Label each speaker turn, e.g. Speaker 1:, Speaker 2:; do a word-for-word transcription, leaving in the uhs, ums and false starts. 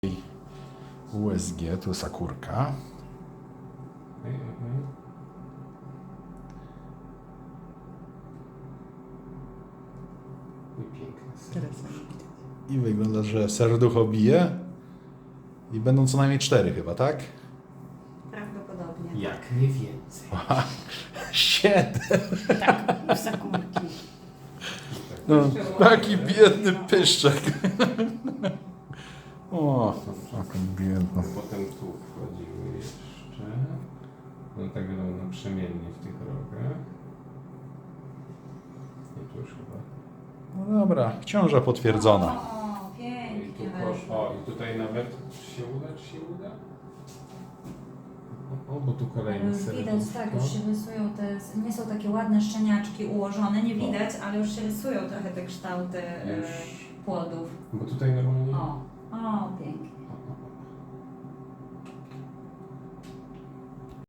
Speaker 1: U S G, tu jest akurka.
Speaker 2: I piękne.
Speaker 3: Teraz już widać.
Speaker 1: I wygląda, że serducho bije. I będą co najmniej cztery chyba, tak?
Speaker 3: Prawdopodobnie.
Speaker 2: Jak nie więcej.
Speaker 1: Siedem.
Speaker 3: Tak, w zakórki.
Speaker 1: No, taki biedny pyszczek. O, taki biedny.
Speaker 2: Potem tu wchodziły jeszcze. No tak wiadomo, naprzemiennie w tych rogach. I tu już chyba.
Speaker 1: No dobra, ciąża potwierdzona.
Speaker 3: O,
Speaker 2: I
Speaker 3: pięknie
Speaker 2: tu
Speaker 3: weszło.
Speaker 2: poszło. O, i tutaj nawet czy się uda, czy się uda? O, bo tu kolejny
Speaker 3: Ale
Speaker 2: serduszko.
Speaker 3: widać, tak, już się rysują te, nie są takie ładne szczeniaczki ułożone, nie widać, ale już się rysują trochę te kształty e,
Speaker 2: Już.
Speaker 3: płodów.
Speaker 2: Bo tutaj normalnie...
Speaker 3: O, o, pięknie.